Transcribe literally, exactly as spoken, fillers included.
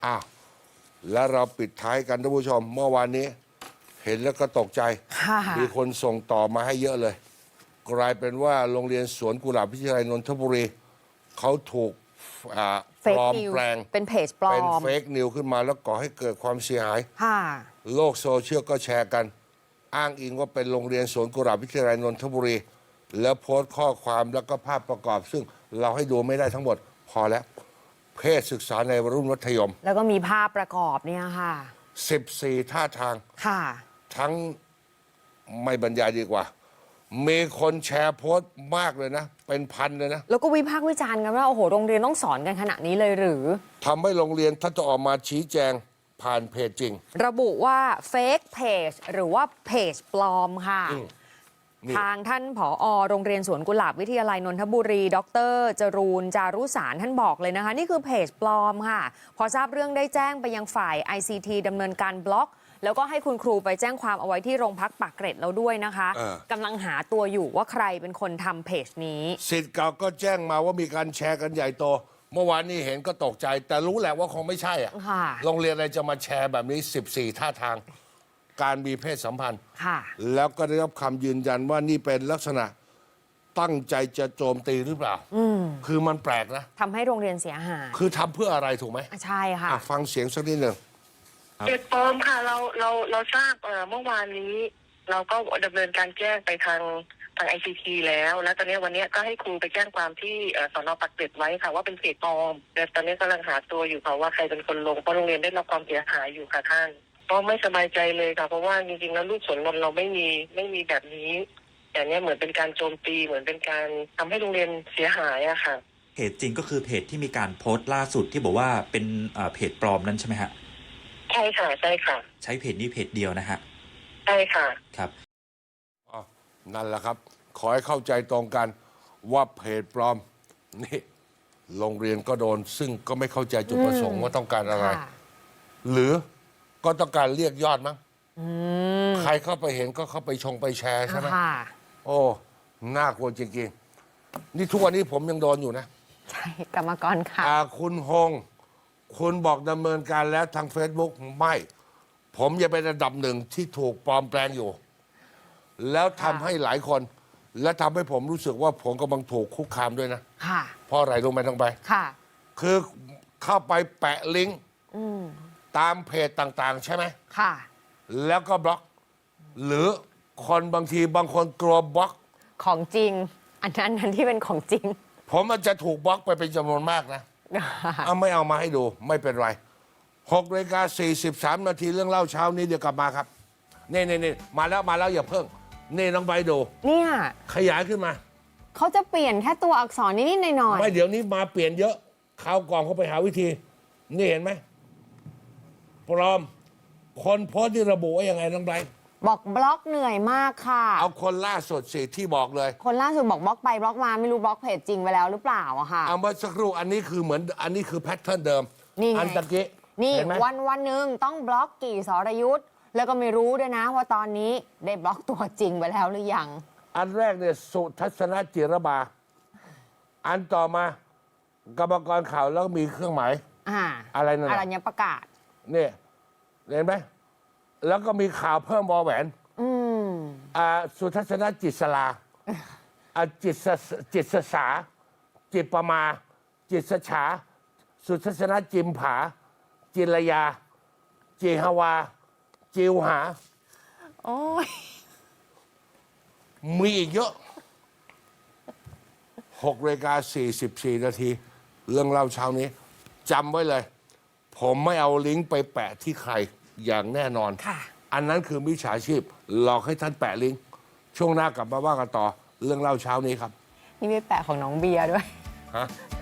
อ้าวแล้วเราปิดท้ายกันท่านผู้ชม เมื่อวานนี้เห็นแล้วก็ตกใจ มีคนส่งต่อมาให้เยอะเลย กลายเป็นว่าโรงเรียนสวนกุหลาบวิทยาลัยนนทบุรีเขาถูกปลอมแปลงเป็นเพจปลอมเป็นเฟกนิวขึ้นมาแล้วก่อให้เกิดความเสียหายโลกโซเชียลก็แชร์กันอ้างอิงว่าเป็นโรงเรียนสวนกุหลาบวิทยาลัยนนทบุรี แล้วโพสต์ข้อความแล้วก็ภาพประกอบ ซึ่งเราให้ดูไม่ได้ทั้งหมดพอแล้วเพศศึกษาในวัยรุ่นมัธยมแล้วก็มีภาพประกอบเนี่ยค่ะสิบสี่ท่าทางค่ะทั้งไม่บรรยายดีกว่ามีคนแชร์โพสต์มากเลยนะเป็นพันเลยนะแล้วก็วิพากษ์วิจารณ์กันว่าโอ้โหโรงเรียนต้องสอนกันขนาดนี้เลยหรือทำให้โรงเรียนท่านจะออกมาชี้แจงผ่านเพจจริงระบุว่าเฟกเพจหรือว่าเพจปลอมค่ะทางท่านผอ.โรงเรียนสวนกุหลาบวิทยาลัยนนทบุรี ดร.จรูนจารุสารท่านบอกเลยนะคะนี่คือเพจปลอมค่ะพอทราบเรื่องได้แจ้งไปยังฝ่าย ไอ ซี ที ดำเนินการบล็อกแล้วก็ให้คุณครูไปแจ้งความเอาไว้ที่โรงพักปากเกร็ดแล้วด้วยนะคะกำลังหาตัวอยู่ว่าใครเป็นคนทำเพจนี้ศิษย์เก่าก็แจ้งมาว่ามีการแชร์กันใหญ่โตเมื่อวานนี้เห็นก็ตกใจแต่รู้แหละว่าคงไม่ใช่อ่ะโรงเรียนอะไรจะมาแชร์แบบนี้สิบสี่ท่าทางการมีเพศสัมพันธ์แล้วก็ได้รับคำยืนยันว่านี่เป็นลักษณะตั้งใจจะโจมตีหรือเปล่าคือมันแปลกนะทำให้โรงเรียนเสียหายคือทำเพื่ออะไรถูกไหมใช่ค่ะฟังเสียงสักนิดหนึ่งเพจปลอมค่ะเราเราเราทราบเมื่อวานนี้เราก็ดำเนินการแจ้งไปทางทาง ไอ ซี ที แล้วแล้วตอนนี้วันนี้ก็ให้ครูไปแจ้งความที่สน.ปากเกร็ดไว้ค่ะว่าเป็นเพจปลอมแต่ตอนนี้กำลังหาตัวอยู่ค่ะว่าใครเป็นคนลงเพราะโรงเรียนได้รับความเสียหายอยู่ค่ะท่านก็ไม่สบายใจเลยค่ะเพราะว่าจริงๆแล้วลูกสวนนนท์เราไม่มีไม่มีแบบนี้แต่เนี้ยเหมือนเป็นการโจมตีเหมือนเป็นการทำให้โรงเรียนเสียหายอะค่ะเพจจริงก็คือเพจที่มีการโพสต์ล่าสุดที่บอกว่าเป็นเพจปลอมนั้นใช่ไหมฮะใช่ค่ะใช่ค่ะใช้เพจนี้เพจเดียวนะฮะใช่ค่ะครับอ๋อนั่นแหละครับขอให้เข้าใจตรงกันว่าเพจปลอมนี่โรงเรียนก็โดนซึ่งก็ไม่เข้าใจจุดประสงค์ว่าต้องการอะไรหรือก็ต้องการเรียกยอดมั้งใครเข้าไปเห็นก็เข้าไปชงไปแชร์ใช่ไหมโอ้น่ากลัวจริงๆนี่ทุกวันนี้ผมยังโดนอยู่นะใช่กรรมกรค่ะคุณฮงคุณบอกดำเนินการแล้วทาง Facebook ไม่ผมยังเป็นระดับหนึ่งที่ถูกปลอมแปลงอยู่แล้วทำให้หลายคนและทำให้ผมรู้สึกว่าผมกำลังถูกคุกคามด้วยนะค่ะเพราะอะไรรู้ไหมต้องไปค่ะคือเข้าไปแปะลิงก์ตามเพจต่างๆใช่ไหมค่ะแล้วก็บล็อกหรือคนบางทีบางคนกลัวบล็อกของจริงอันนั้นนั้นที่เป็นของจริงผมมันจะถูกบล็อกไปเป็นจำนวนมากนะเอาไม่เอามาให้ดูไม่เป็นไรหกนาฬิกาสี่สิบสามนาทีเรื่องเล่าเช้านี้เดี๋ยวกลับมาครับนี่นี่นี่มาแล้วมาแล้วอย่าเพิ่งนี่น้องใบดูเนี่ยขยายขึ้นมาเขาจะเปลี่ยนแค่ตัวอักษรนิดๆหน่อยๆไม่เดี๋ยวนี้มาเปลี่ยนเยอะคราวก่อนเขาไปหาวิธีนี่เห็นไหมปลอมคนโพสต์ที่ระบุว่ายังไงน้องใบบอกบล็อกเหนื่อยมากค่ะเอาคนล่าสุดสิที่บอกเลยคนล่าสุดบอกบล็อกไปบล็อกมาไม่รู้บล็อกเพจจริงไปแล้วหรือเปล่าอะค่ะเอาเมื่อสักครู่อันนี้คือเหมือนอันนี้คือแพทเทิร์นเดิมนี่อันตะกี้นี่วันวันหนึ่งต้องบล็อกกี่สรยุทธ์แล้วก็ไม่รู้ด้วยนะว่าตอนนี้ได้บล็อกตัวจริงไปแล้วหรือยังอันแรกเนี่ยสุทัศนจิรบาอันต่อมากรรมกรข่าวแล้วมีเครื่องหมายอ่าอะไรนั่นอรัญญประกาศเนี่ยเห็นไหมแล้วก็มีข่าวเพิ่มวอแหวนอืมอ่าสุทัศนจิตสลาอ่าจิตจิตสสาจิตประมาจิตสฉาสุทัศนจิมผาจิรยาจิฮวาจิวหาโอ้ยมีอีกเยอะหกนาฬิกาสี่สิบสี่นาทีเรื่องเล่าเช้านี้จำไว้เลยผมไม่เอาลิงก์ไปแปะที่ใครอย่างแน่นอนอันนั้นคือมิจฉาชีพหลอกให้ท่านแปะลิงก์ช่วงหน้ากลับมาว่ากันต่อเรื่องเล่าเช้านี้ครับนี่ไม่แปะของน้องเบียร์ด้วยฮะ